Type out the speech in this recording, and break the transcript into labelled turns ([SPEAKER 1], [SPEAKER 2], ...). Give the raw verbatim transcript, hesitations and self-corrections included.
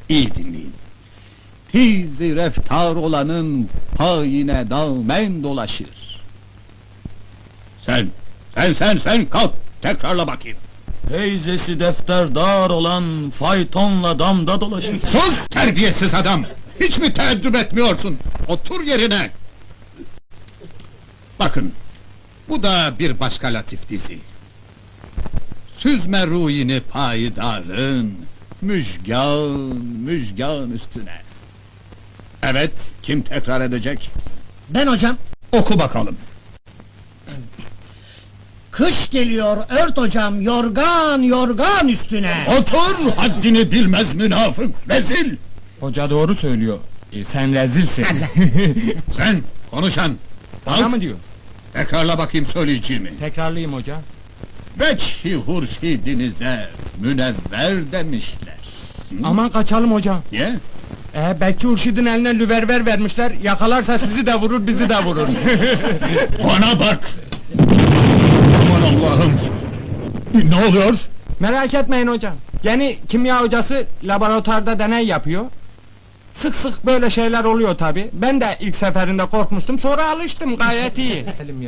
[SPEAKER 1] İyi dinleyin. Tiz-i reftar olanın payine damen dolaşır. Sen, sen, sen, sen kalk, tekrarla bakayım.
[SPEAKER 2] Teyzesi defterdar olan faytonla damda dolaşır.
[SPEAKER 1] Sus terbiyesiz adam! Hiç mi teeddüp etmiyorsun? Otur yerine! Bakın, bu da bir başka latif dizi. Süzme ruhini payidarın, müjgan, müjgan üstüne. Evet, kim tekrar edecek?
[SPEAKER 3] Ben hocam.
[SPEAKER 1] Oku bakalım.
[SPEAKER 3] Kış geliyor ört hocam yorgan yorgan üstüne.
[SPEAKER 1] Otur, haddini bilmez münafık, rezil!
[SPEAKER 2] Hoca doğru söylüyor. E, sen rezilsin.
[SPEAKER 1] Sen, konuşan!
[SPEAKER 2] Bana
[SPEAKER 1] Kalk,
[SPEAKER 2] mı diyor?
[SPEAKER 1] tekrarla bakayım söyleyeceğimi.
[SPEAKER 2] Tekrarlayayım hoca.
[SPEAKER 1] Veçhi hurşidinize münevver demişler.
[SPEAKER 2] Aman kaçalım hoca.
[SPEAKER 1] Niye?
[SPEAKER 2] Ee, Bekçi Urşid'in eline lüverver vermişler. Yakalarsa sizi de vurur, bizi de vurur.
[SPEAKER 1] Bana bak! Aman Allah'ım! Ne oluyor?
[SPEAKER 2] Merak etmeyin hocam. Yeni kimya hocası laboratuvarda deney yapıyor. Sık sık böyle şeyler oluyor tabi. Ben de ilk seferinde korkmuştum, sonra alıştım, gayet iyi.